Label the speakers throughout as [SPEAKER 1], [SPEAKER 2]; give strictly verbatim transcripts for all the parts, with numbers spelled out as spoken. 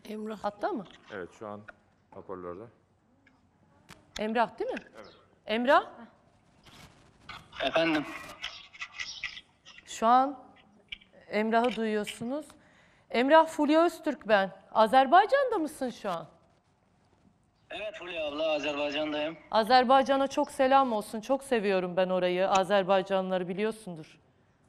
[SPEAKER 1] Emrah.
[SPEAKER 2] Hatta mı?
[SPEAKER 3] Evet, şu an hoparlörde.
[SPEAKER 2] Emrah değil mi?
[SPEAKER 3] Evet.
[SPEAKER 2] Emrah,
[SPEAKER 4] Efendim?
[SPEAKER 2] şu an Emrah'ı duyuyorsunuz. Emrah, Fulya Öztürk ben. Azerbaycan'da mısın şu an?
[SPEAKER 4] Evet Fulya abla, Azerbaycan'dayım.
[SPEAKER 2] Azerbaycan'a çok selam olsun. Çok seviyorum ben orayı. Azerbaycanlıları biliyorsundur.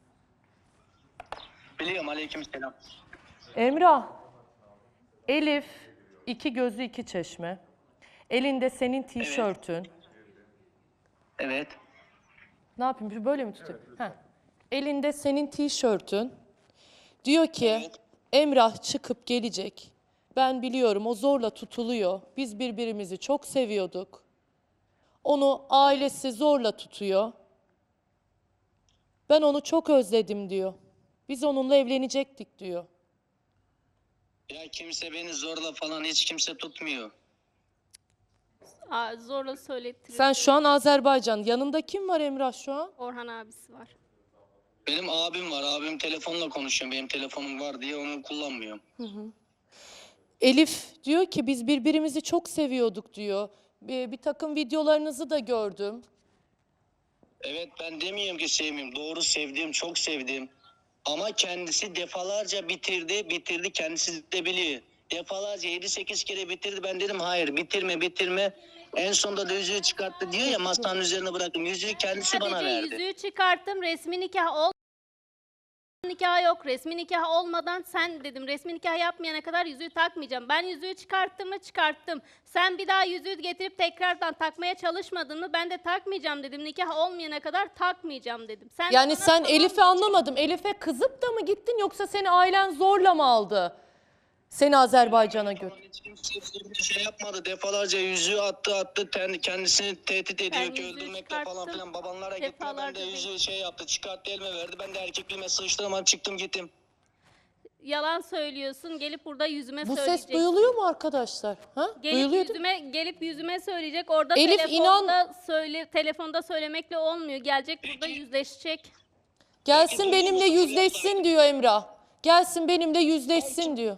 [SPEAKER 4] Biliyorum, aleykümselam.
[SPEAKER 2] Emrah, Elif, iki gözü iki çeşme. Elinde senin tişörtün.
[SPEAKER 4] Evet.
[SPEAKER 2] Ne yapayım? Böyle mi tutayım? Heh. Elinde senin tişörtün. Diyor ki
[SPEAKER 4] Evet.
[SPEAKER 2] Emrah çıkıp gelecek. Ben biliyorum o zorla tutuluyor. Biz birbirimizi çok seviyorduk. Onu ailesi zorla tutuyor. Ben onu çok özledim diyor. Biz onunla evlenecektik diyor.
[SPEAKER 4] Ya kimse beni zorla falan hiç kimse tutmuyor.
[SPEAKER 1] Aa, zorla söylettiriyor.
[SPEAKER 2] Sen şu an Azerbaycan. Yanında kim var Emrah şu an?
[SPEAKER 1] Orhan abisi var.
[SPEAKER 4] Benim abim var, abim telefonla konuşuyor. Benim telefonum var diye onu kullanmıyorum.
[SPEAKER 2] Elif diyor ki biz birbirimizi çok seviyorduk diyor. Bir, bir takım videolarınızı da gördüm.
[SPEAKER 4] Evet, ben demiyorum ki sevmiyorum. Doğru, sevdiğim, çok sevdiğim. Ama kendisi defalarca bitirdi, bitirdi. Kendisi de biliyor. Defalarca yedi sekiz kere bitirdi. Ben dedim hayır, bitirme, bitirme. En sonunda da yüzüğü çıkarttı diyor ya, masanın üzerine bıraktım. Yüzüğü kendisi bana
[SPEAKER 1] Sadece
[SPEAKER 4] verdi.
[SPEAKER 1] yüzüğü çıkarttım. Resmi nikah ol. Nikah yok. Resmi nikah olmadan sen dedim resmi nikah yapmayana kadar yüzüğü takmayacağım. Ben yüzüğü çıkarttım mı çıkarttım. Sen bir daha yüzüğü getirip tekrardan takmaya çalışmadın mı ben de takmayacağım dedim. Nikah olmayana kadar takmayacağım dedim. Sen
[SPEAKER 2] Yani
[SPEAKER 1] bana
[SPEAKER 2] sen
[SPEAKER 1] tamam
[SPEAKER 2] Elif'i anlamadım. Elif'e kızıp da mı gittin yoksa seni ailen zorla mı aldı? Seni Azerbaycan'a götür.
[SPEAKER 4] Hiç kimse bir şey yapmadı. Defalarca yüzüğü attı attı. Kendi- Kendisini tehdit ediyor
[SPEAKER 1] Ben
[SPEAKER 4] ki
[SPEAKER 1] yüzüğü
[SPEAKER 4] öldürmekle falan
[SPEAKER 1] çıkarttım.
[SPEAKER 4] filan. Babanlara gitti. Ben
[SPEAKER 1] Defalarca
[SPEAKER 4] de
[SPEAKER 1] değil.
[SPEAKER 4] yüzüğü şey yaptı. Çıkarttı, elime verdi. Ben de erkekliğime sıçtım. Çıktım gittim.
[SPEAKER 1] yalan söylüyorsun. Gelip burada yüzüme
[SPEAKER 2] Bu
[SPEAKER 1] söyleyecek.
[SPEAKER 2] ses duyuluyor mu arkadaşlar? Ha?
[SPEAKER 1] Gelip
[SPEAKER 2] Duyuluyor değil mi?
[SPEAKER 1] yüzüme gelip yüzüme söyleyecek. Orada
[SPEAKER 2] Elif,
[SPEAKER 1] telefonda söyle telefonda söylemekle olmuyor. Gelecek burada yüzleşecek.
[SPEAKER 2] Gelsin
[SPEAKER 4] Peki,
[SPEAKER 2] benimle
[SPEAKER 4] duyuyor musun?
[SPEAKER 2] yüzleşsin diyor Emrah. Gelsin benimle yüzleşsin diyor.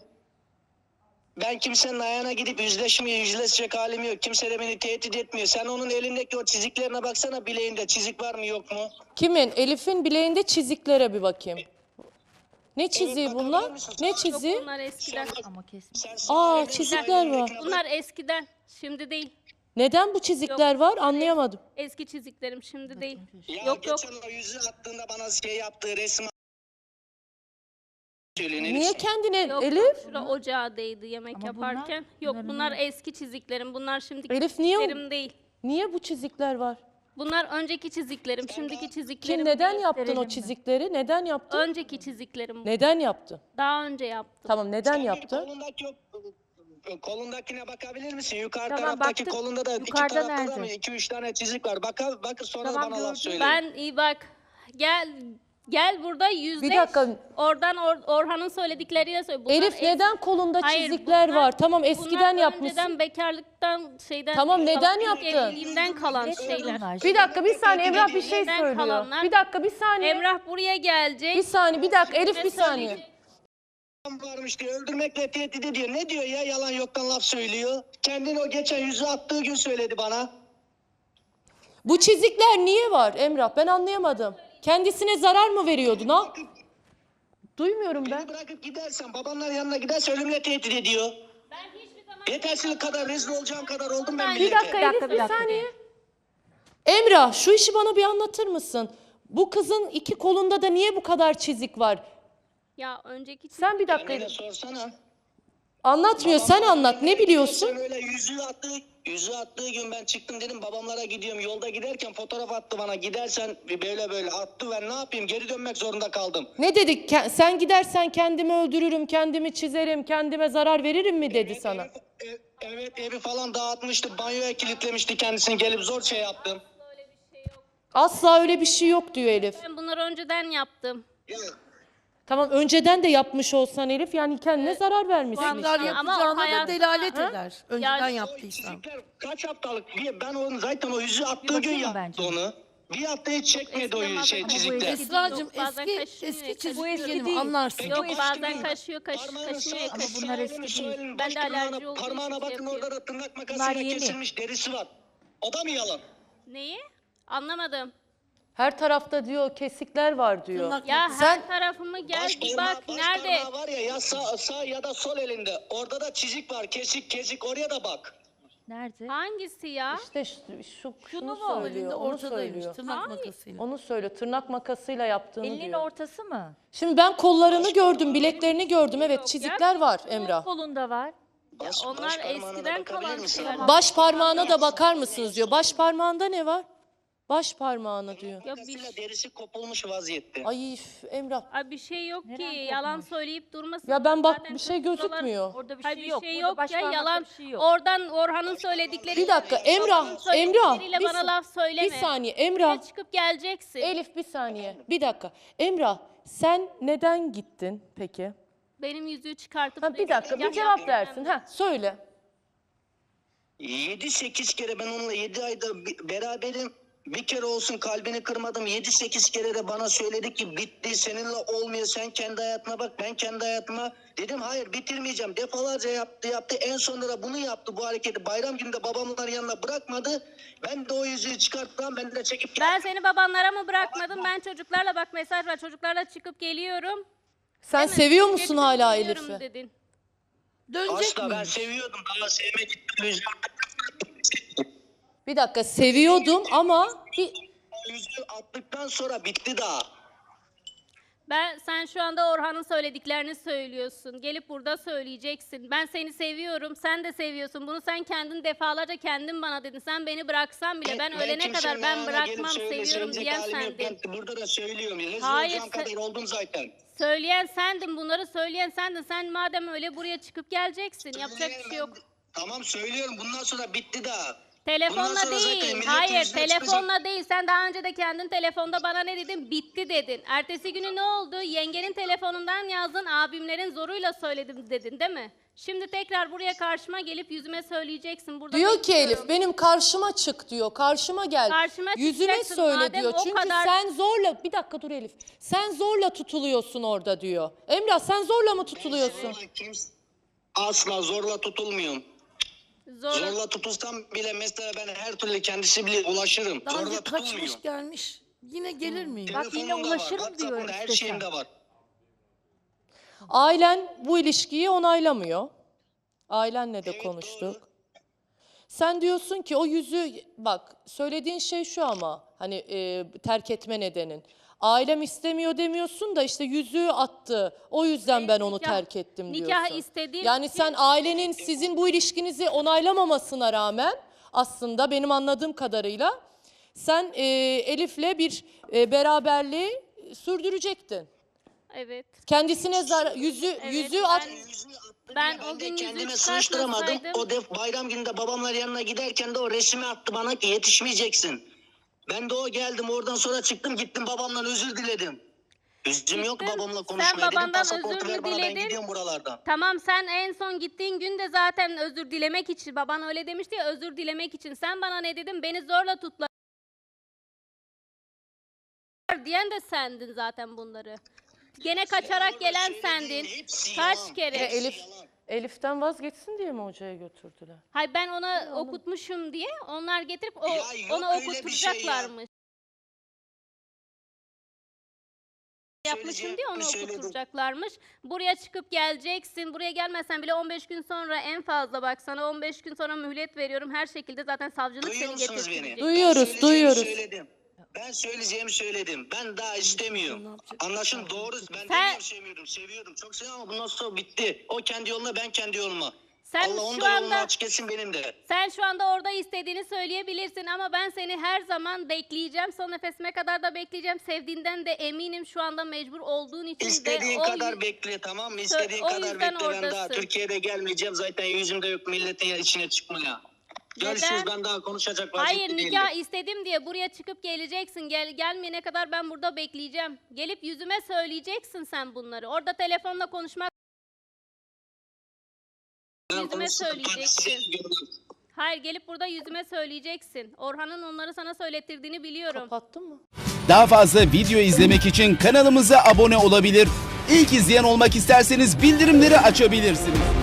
[SPEAKER 4] Ben kimsenin ayağına gidip yüzleşmiyor, yüzleşecek halim yok. Kimse de beni tehdit etmiyor. Sen onun elindeki o çiziklerine baksana, bileğinde çizik var mı yok mu?
[SPEAKER 2] Kimin? Elif'in bileğinde çiziklere bir bakayım. Ne çiziği
[SPEAKER 4] bakabilir
[SPEAKER 2] bunlar?
[SPEAKER 4] misin?
[SPEAKER 2] Ne
[SPEAKER 4] Yok,
[SPEAKER 2] çiziği?
[SPEAKER 1] Bunlar eskiden.
[SPEAKER 4] Ama kesin.
[SPEAKER 2] Aa, çizikler var.
[SPEAKER 1] Bunlar eskiden. Şimdi değil.
[SPEAKER 2] Neden bu çizikler var? Anlayamadım.
[SPEAKER 1] Eski çiziklerim şimdi değil.
[SPEAKER 4] Ya
[SPEAKER 1] Yok yok.
[SPEAKER 4] geçen o yüzüğü attığında bana şey yaptığı resim söylüyor.
[SPEAKER 2] Niye kendine
[SPEAKER 1] Yok,
[SPEAKER 2] Elif?
[SPEAKER 1] şura ocağa değdi yemek
[SPEAKER 5] Ama
[SPEAKER 1] yaparken.
[SPEAKER 5] bunlar-
[SPEAKER 1] Yok
[SPEAKER 5] bunların-
[SPEAKER 1] bunlar eski çiziklerim. Bunlar şimdiki
[SPEAKER 2] Elif, niye o-
[SPEAKER 1] çiziklerim değil.
[SPEAKER 2] Niye bu çizikler var?
[SPEAKER 1] Bunlar önceki çiziklerim. Şimdiki çiziklerim
[SPEAKER 2] Kim neden
[SPEAKER 1] değil.
[SPEAKER 2] yaptın o
[SPEAKER 5] gösterelim mi?
[SPEAKER 2] çizikleri? Neden yaptın?
[SPEAKER 1] Önceki çiziklerim.
[SPEAKER 2] Neden yaptın?
[SPEAKER 1] Daha önce yaptım.
[SPEAKER 2] Tamam, neden
[SPEAKER 4] Sen bir
[SPEAKER 2] yaptın?
[SPEAKER 4] Kolundaki o- kolundakine bakabilir misin? Yukarı
[SPEAKER 5] Tamam,
[SPEAKER 4] taraftaki
[SPEAKER 5] baktık.
[SPEAKER 4] kolunda da iki
[SPEAKER 5] Yukarıda
[SPEAKER 4] tarafta da mı?
[SPEAKER 5] nerede?
[SPEAKER 4] iki üç tane çizik var. Bakın, bakın sonra
[SPEAKER 5] Tamam,
[SPEAKER 4] bana laf
[SPEAKER 5] gördüm.
[SPEAKER 4] söyleyin.
[SPEAKER 1] Ben iyi bak. Gel gel burada yüzleş.
[SPEAKER 2] Bir dakika.
[SPEAKER 1] Oradan Or- Orhan'ın söyledikleriyle söyle. Bunlar
[SPEAKER 2] Elif
[SPEAKER 1] es-
[SPEAKER 2] neden kolunda
[SPEAKER 1] Hayır,
[SPEAKER 2] çizikler
[SPEAKER 1] bunlar-
[SPEAKER 2] var? Tamam,
[SPEAKER 1] bunlar
[SPEAKER 2] eskiden yapmışsın.
[SPEAKER 1] önceden bekarlıktan şeyden.
[SPEAKER 2] Tamam, neden
[SPEAKER 1] ilk
[SPEAKER 2] yaptın?
[SPEAKER 1] Evliliğimden kalan şeyler.
[SPEAKER 2] Bir dakika, bir saniye, Emrah bir şey
[SPEAKER 1] Evden
[SPEAKER 2] söylüyor.
[SPEAKER 1] kalanlar-
[SPEAKER 2] Bir dakika, bir saniye.
[SPEAKER 1] Emrah buraya gelecek.
[SPEAKER 2] Bir saniye, bir dakika. Elif bir
[SPEAKER 1] Yüzüme
[SPEAKER 2] saniye.
[SPEAKER 1] söyleyecek.
[SPEAKER 4] Varmış diyor, öldürmekle tehdit ediyor. Ne diyor ya, yalan yoktan laf söylüyor. Kendini o geçen yüzüğü attığı gün söyledi bana.
[SPEAKER 2] Bu çizikler niye var Emrah? Ben anlayamadım. Kendisine zarar mı veriyordu? Ne yap- Duymuyorum ben.
[SPEAKER 4] Beni bırakıp gidersen, babanların yanına giderse ölümle tehdit ediyor.
[SPEAKER 1] Ben hiçbir zaman
[SPEAKER 4] Yetersizlik kadar, rezil olacağım kadar oldum ben
[SPEAKER 1] Bir
[SPEAKER 4] millete.
[SPEAKER 2] Bir dakika
[SPEAKER 5] Bir dakika,
[SPEAKER 2] Elif,
[SPEAKER 5] bir
[SPEAKER 2] bir
[SPEAKER 5] dakika.
[SPEAKER 2] saniye. Emrah, şu işi bana bir anlatır mısın? Bu kızın iki kolunda da niye bu kadar çizik var?
[SPEAKER 1] ya önceki
[SPEAKER 2] Sen bir dakika
[SPEAKER 4] Kendine
[SPEAKER 2] Elif.
[SPEAKER 4] sorsana.
[SPEAKER 2] Anlatmıyor, sen anlat. Ne biliyorsun?
[SPEAKER 4] Sen öyle yüzüğü attığı, yüzüğü attığı gün ben çıktım dedim babamlara gidiyorum. Yolda giderken fotoğraf attı bana. Gidersen böyle böyle attı, ben ne yapayım? Geri dönmek zorunda kaldım.
[SPEAKER 2] Ne dedik? Ke- Sen gidersen kendimi öldürürüm, kendimi çizerim, kendime zarar veririm mi dedi sana?
[SPEAKER 4] Evi, ev- evet evi falan dağıtmıştı. Banyoya kilitlemişti kendisini. Gelip zor şey yaptım.
[SPEAKER 2] Asla öyle bir şey yok diyor Elif.
[SPEAKER 1] ben bunları önceden yaptım.
[SPEAKER 4] Ya,
[SPEAKER 2] Tamam, önceden de yapmış olsan Elif, yani kendine zarar vermişsin.
[SPEAKER 1] Ama-
[SPEAKER 6] Tekrar
[SPEAKER 1] Ama
[SPEAKER 6] yapacağına da
[SPEAKER 1] hayat-
[SPEAKER 6] delalet
[SPEAKER 1] Ha?
[SPEAKER 6] eder. Önceden
[SPEAKER 1] Yani-
[SPEAKER 4] o
[SPEAKER 6] yaptıysan.
[SPEAKER 4] çizikler kaç haftalık? Bir- Ben onu zaten o yüzü attığı gün
[SPEAKER 5] bakayım mı
[SPEAKER 4] yaptı
[SPEAKER 5] bence?
[SPEAKER 4] onu. Bir hafta hiç çekmedi o
[SPEAKER 1] Esneme
[SPEAKER 4] şey
[SPEAKER 1] ama bu
[SPEAKER 4] çizikler.
[SPEAKER 1] eski-
[SPEAKER 5] Esra'cığım
[SPEAKER 1] Yok, bazen
[SPEAKER 5] eski
[SPEAKER 1] kaşınıyor,
[SPEAKER 5] eski
[SPEAKER 1] kaşınıyor.
[SPEAKER 5] çizgi
[SPEAKER 1] Eski
[SPEAKER 5] film
[SPEAKER 1] değil.
[SPEAKER 5] anlarsın.
[SPEAKER 1] Yok
[SPEAKER 4] Peki,
[SPEAKER 1] bazen
[SPEAKER 4] başka-
[SPEAKER 1] kaşıyor, kaş,
[SPEAKER 4] Parmağını
[SPEAKER 1] kaşınıyor,
[SPEAKER 4] sağ-
[SPEAKER 5] Ama
[SPEAKER 1] kaşınıyor.
[SPEAKER 5] bunlar
[SPEAKER 4] sağ
[SPEAKER 5] eski
[SPEAKER 4] elini,
[SPEAKER 5] değil.
[SPEAKER 4] sol elini,
[SPEAKER 1] Ben
[SPEAKER 4] baş
[SPEAKER 1] de
[SPEAKER 4] parmağına-
[SPEAKER 1] alerji olduğu için
[SPEAKER 4] Parmağına
[SPEAKER 1] şey
[SPEAKER 4] bakın,
[SPEAKER 1] yapıyorum.
[SPEAKER 4] orada da tırnak
[SPEAKER 5] Bunlar
[SPEAKER 4] makasıyla
[SPEAKER 5] yeni.
[SPEAKER 4] kesilmiş derisi var. O da mı yalan?
[SPEAKER 1] Neyi? Anlamadım.
[SPEAKER 2] Her tarafta diyor kesikler var diyor.
[SPEAKER 5] Tırnak-
[SPEAKER 1] Ya
[SPEAKER 2] Sen-
[SPEAKER 1] her tarafımı gel
[SPEAKER 4] Baş
[SPEAKER 1] bir
[SPEAKER 4] parmağı-
[SPEAKER 1] bak
[SPEAKER 4] baş
[SPEAKER 1] nerede?
[SPEAKER 4] parmağı var ya, ya sağ, sağ ya da sol elinde. Orada da çizik var. Kesik kesik, oraya da bak.
[SPEAKER 6] Nerede?
[SPEAKER 1] Hangisi ya?
[SPEAKER 2] İşte şu, şu şunu
[SPEAKER 5] Şunu mu
[SPEAKER 2] söylüyor,
[SPEAKER 5] elinde
[SPEAKER 2] onu
[SPEAKER 5] ortadaymış
[SPEAKER 2] söylüyor.
[SPEAKER 5] tırnak makasıyla.
[SPEAKER 2] Onu söylüyor, tırnak makasıyla yaptığını
[SPEAKER 6] Elinin
[SPEAKER 2] diyor.
[SPEAKER 6] ortası mı?
[SPEAKER 2] Şimdi ben kollarını gördüm, bileklerini gördüm. Evet,
[SPEAKER 1] Yok
[SPEAKER 2] çizikler var
[SPEAKER 6] Sol
[SPEAKER 2] Emrah.
[SPEAKER 6] kolunda var.
[SPEAKER 4] Baş,
[SPEAKER 1] onlar
[SPEAKER 4] baş parmağına da
[SPEAKER 1] eskiden
[SPEAKER 4] bakabilir
[SPEAKER 1] kalan
[SPEAKER 4] misin?
[SPEAKER 1] şeyler.
[SPEAKER 2] Baş parmağına da bakar mısınız diyor. Baş parmağında ne var? Baş parmağına diyor.
[SPEAKER 1] Ya bir,
[SPEAKER 4] Makasıyla derisi kopulmuş vaziyette.
[SPEAKER 2] Ay üf, Emrah.
[SPEAKER 1] Ay bir şey yok ki.
[SPEAKER 6] Neren
[SPEAKER 1] Yalan
[SPEAKER 6] kopmuş?
[SPEAKER 1] söyleyip durmasın.
[SPEAKER 2] Ya ben bak
[SPEAKER 1] Zaten
[SPEAKER 2] bir şey
[SPEAKER 1] kız buralar-
[SPEAKER 2] gözükmüyor.
[SPEAKER 6] Orada bir
[SPEAKER 1] Hayır
[SPEAKER 6] şey
[SPEAKER 1] bir
[SPEAKER 6] yok.
[SPEAKER 1] şey
[SPEAKER 6] Burada
[SPEAKER 1] yok
[SPEAKER 6] baş
[SPEAKER 1] ya
[SPEAKER 6] parmakta
[SPEAKER 1] yalan.
[SPEAKER 6] bir şey yok.
[SPEAKER 1] Oradan Orhan'ın söyledikleri.
[SPEAKER 2] Bir dakika Emrah, Emrah.
[SPEAKER 1] Söyledikleriyle
[SPEAKER 2] Bir,
[SPEAKER 1] bana
[SPEAKER 2] sa-
[SPEAKER 1] laf söyleme.
[SPEAKER 2] bir saniye Emrah.
[SPEAKER 1] Buraya çıkıp geleceksin.
[SPEAKER 2] Elif bir saniye. Bir dakika. Emrah sen neden gittin peki?
[SPEAKER 1] Benim yüzüğü çıkartıp...
[SPEAKER 2] Ha, bir dakika bir
[SPEAKER 1] Ya-
[SPEAKER 2] cevap versin. Ha söyle.
[SPEAKER 4] yedi sekiz kere ben onunla yedi ayda bi- beraberim. Bir kere olsun kalbini kırmadım. yedi sekiz kere de bana söyledi ki bitti, seninle olmuyor, sen kendi hayatına bak, ben kendi hayatıma. Dedim hayır, bitirmeyeceğim. Defalarca yaptı yaptı. En sonunda da bunu yaptı, bu hareketi. Bayram gününde babamların yanına bırakmadı. Ben de o yüzüğü çıkarttım. Ben de çekip
[SPEAKER 1] Ben seni babanlara mı bırakmadım? Ben çocuklarla bak mesaj var. Çocuklarla çıkıp geliyorum.
[SPEAKER 2] Sen
[SPEAKER 1] Değil mi?
[SPEAKER 2] seviyor musun
[SPEAKER 1] Çıkıp
[SPEAKER 2] hala
[SPEAKER 1] geliyorum
[SPEAKER 2] Elif'i?
[SPEAKER 1] dedin.
[SPEAKER 5] Dönecek
[SPEAKER 4] asla ben
[SPEAKER 5] mi?
[SPEAKER 4] seviyordum. Daha sevmek yüzüğü,
[SPEAKER 2] Bir dakika seviyordum ama bir
[SPEAKER 4] yüzüğü attıktan sonra bitti daha.
[SPEAKER 1] Ben sen şu anda Orhan'ın söylediklerini söylüyorsun. Gelip burada söyleyeceksin. Ben seni seviyorum. Sen de seviyorsun. Bunu sen kendin defalarca kendin bana dedin. Sen beni bıraksan bile ben, ölene
[SPEAKER 4] kimsenin
[SPEAKER 1] kadar ben
[SPEAKER 4] ayağına gelip
[SPEAKER 1] bırakmam,
[SPEAKER 4] söyle-
[SPEAKER 1] seviyorum
[SPEAKER 4] söyleyecek
[SPEAKER 1] diyen
[SPEAKER 4] halim yok.
[SPEAKER 1] sendin.
[SPEAKER 4] Ben burada da söylüyorum. Rezil
[SPEAKER 1] Hayır,
[SPEAKER 4] olacağım
[SPEAKER 1] sen-
[SPEAKER 4] kadar oldum zaten.
[SPEAKER 1] Söyleyen sendin. Bunları söyleyen sendin. Sen madem öyle buraya çıkıp geleceksin. Yapacak bir şey
[SPEAKER 4] Ben-
[SPEAKER 1] yok.
[SPEAKER 4] Tamam söylüyorum. Bundan sonra bitti daha. Bundan
[SPEAKER 1] Telefonla
[SPEAKER 4] sonra zaten
[SPEAKER 1] değil.
[SPEAKER 4] milletin
[SPEAKER 1] Hayır,
[SPEAKER 4] yüzüne
[SPEAKER 1] telefonla değil. Sen daha önce de kendin telefonda bana ne dedin? Bitti dedin. Ertesi günü ne oldu? Yengenin telefonundan yazdın. Abimlerin zoruyla söyledim dedin, değil mi? Şimdi tekrar buraya karşıma gelip yüzüme söyleyeceksin. Burada
[SPEAKER 2] diyor ki
[SPEAKER 1] bekliyorum.
[SPEAKER 2] Elif benim karşıma çık diyor. Karşıma gel.
[SPEAKER 1] Karşıma
[SPEAKER 2] Yüzüme
[SPEAKER 1] çıkacaksın
[SPEAKER 2] söyle
[SPEAKER 1] madem
[SPEAKER 2] diyor.
[SPEAKER 1] o
[SPEAKER 2] Çünkü
[SPEAKER 1] kadar-
[SPEAKER 2] sen zorla bir dakika dur Elif. Sen zorla tutuluyorsun orada diyor. Emrah sen zorla mı tutuluyorsun?
[SPEAKER 4] Zorla kimse- Asla zorla tutulmuyorum.
[SPEAKER 1] Zorla.
[SPEAKER 4] Zorla tutulsam bile mesela ben her türlü kendisi bile ulaşırım.
[SPEAKER 5] Daha
[SPEAKER 4] Zorla
[SPEAKER 5] önce
[SPEAKER 4] tutulmuyorum.
[SPEAKER 5] kaçmış gelmiş. Yine gelir miyim?
[SPEAKER 6] Bak yine
[SPEAKER 4] Telefonumda
[SPEAKER 6] ulaşırım
[SPEAKER 4] var,
[SPEAKER 6] diyor
[SPEAKER 4] WhatsApp'ımda, her
[SPEAKER 6] işte
[SPEAKER 4] şeyimde
[SPEAKER 6] sen.
[SPEAKER 4] var.
[SPEAKER 2] Ailen bu ilişkiyi onaylamıyor. Ailenle de
[SPEAKER 4] Evet,
[SPEAKER 2] konuştuk.
[SPEAKER 4] doğru.
[SPEAKER 2] Sen diyorsun ki o yüzüğü bak söylediğin şey şu ama hani e, terk etme nedenin. Ailem istemiyor demiyorsun da işte yüzüğü attı. O yüzden ben onu
[SPEAKER 1] nikah-
[SPEAKER 2] terk ettim diyorsun.
[SPEAKER 1] nikah istediğim
[SPEAKER 2] Yani
[SPEAKER 1] için-
[SPEAKER 2] sen ailenin sizin bu ilişkinizi onaylamamasına rağmen aslında benim anladığım kadarıyla sen e, Elif'le bir e, beraberliği sürdürecektin.
[SPEAKER 1] Evet.
[SPEAKER 2] Kendisine zar yüzü
[SPEAKER 1] Evet,
[SPEAKER 2] yüzüğü
[SPEAKER 1] ben-
[SPEAKER 2] at.
[SPEAKER 4] Yüzüğü attım
[SPEAKER 1] Ben
[SPEAKER 4] diye
[SPEAKER 1] o
[SPEAKER 4] de
[SPEAKER 1] gün yüzüğü
[SPEAKER 4] kendime sığıştıramadım.
[SPEAKER 1] çıkartmasaydım-
[SPEAKER 4] O def bayram gününde babamlar yanına giderken de o resmi attı bana ki yetişmeyeceksin. Ben de o geldim, oradan sonra çıktım gittim babamdan özür diledim. Yüzüm yok
[SPEAKER 1] Gittin,
[SPEAKER 4] babamla
[SPEAKER 1] sen
[SPEAKER 4] konuşmaya, dedim
[SPEAKER 1] babandan
[SPEAKER 4] pasaportu
[SPEAKER 1] özür
[SPEAKER 4] ver
[SPEAKER 1] mü
[SPEAKER 4] bana, ben
[SPEAKER 1] diledin?
[SPEAKER 4] gidiyorum buralardan.
[SPEAKER 1] Tamam sen en son gittiğin gün de zaten özür dilemek için. Baban öyle demişti ya, özür dilemek için. Sen bana ne dedin? Beni zorla tutla. Diyen de sendin zaten bunları. Gene kaçarak
[SPEAKER 4] Orada
[SPEAKER 1] gelen
[SPEAKER 4] söylediğin
[SPEAKER 1] sendin.
[SPEAKER 4] hepsi
[SPEAKER 1] Kaç
[SPEAKER 4] yalan,
[SPEAKER 1] kere?
[SPEAKER 4] hepsi
[SPEAKER 2] Elif
[SPEAKER 4] yalan.
[SPEAKER 2] Elif'ten vazgeçsin diye mi hocaya götürdüler?
[SPEAKER 1] Hay ben ona okutmuşum diye onlar getirip o,
[SPEAKER 4] Ya yok
[SPEAKER 1] ona
[SPEAKER 4] öyle bir şey ya.
[SPEAKER 1] okutturacaklarmış. Yapmışım
[SPEAKER 4] Söyleyeceğim,
[SPEAKER 1] diye onu
[SPEAKER 4] söyledim.
[SPEAKER 1] okutturacaklarmış. Buraya çıkıp geleceksin. Buraya gelmezsen bile on beş gün sonra en fazla bak sana on beş gün sonra mühlet veriyorum. Her şekilde zaten savcılık
[SPEAKER 4] Duyuyor
[SPEAKER 1] seni
[SPEAKER 4] musunuz
[SPEAKER 1] getirecek.
[SPEAKER 4] beni?
[SPEAKER 2] Duyuyoruz,
[SPEAKER 4] Ben söyleyeceğimi
[SPEAKER 2] duyuyoruz.
[SPEAKER 4] Söyledim. Ben söyleyeceğimi söyledim. Ben daha istemiyorum. Anlaşın doğru. Ben
[SPEAKER 1] Sen-
[SPEAKER 4] demiyorum sevmiyordum. Seviyordum. Çok seviyorum ama bundan sonra bitti. O kendi yoluna, ben kendi yoluma.
[SPEAKER 1] Sen
[SPEAKER 4] Allah onun
[SPEAKER 1] şu
[SPEAKER 4] da yolunu
[SPEAKER 1] anda
[SPEAKER 4] açık etsin, benim de.
[SPEAKER 1] sen şu anda orada istediğini söyleyebilirsin ama ben seni her zaman bekleyeceğim. Son nefesime kadar da bekleyeceğim. Sevdiğinden de eminim, şu anda mecbur olduğun için
[SPEAKER 4] İstediğin
[SPEAKER 1] de o
[SPEAKER 4] kadar
[SPEAKER 1] yü-
[SPEAKER 4] bekle, tamam mı? İstediğin
[SPEAKER 1] o
[SPEAKER 4] kadar
[SPEAKER 1] yüzden
[SPEAKER 4] bekle. Ben daha
[SPEAKER 1] oradasın.
[SPEAKER 4] Türkiye'de gelmeyeceğim. Zaten yüzümde yok milletin içine çıkmaya. Görüşürüz,
[SPEAKER 1] Neden?
[SPEAKER 4] ben daha konuşacak
[SPEAKER 1] Hayır,
[SPEAKER 4] vaziyette değilim.
[SPEAKER 1] nikah istedim diye buraya çıkıp geleceksin. Gel gelmeyene kadar ben burada bekleyeceğim. Gelip yüzüme söyleyeceksin sen bunları. Orada telefonla konuşmak
[SPEAKER 4] Ben
[SPEAKER 1] yüzüme
[SPEAKER 4] konuştum, ben size
[SPEAKER 1] söyleyeceksin.
[SPEAKER 4] diyorum.
[SPEAKER 1] Hayır, gelip burada yüzüme söyleyeceksin. Orhan'ın onları sana söylettirdiğini biliyorum.
[SPEAKER 2] Kapattın mı?
[SPEAKER 6] Daha fazla video izlemek için kanalımıza abone olabilir. İlk izleyen olmak isterseniz bildirimleri açabilirsiniz.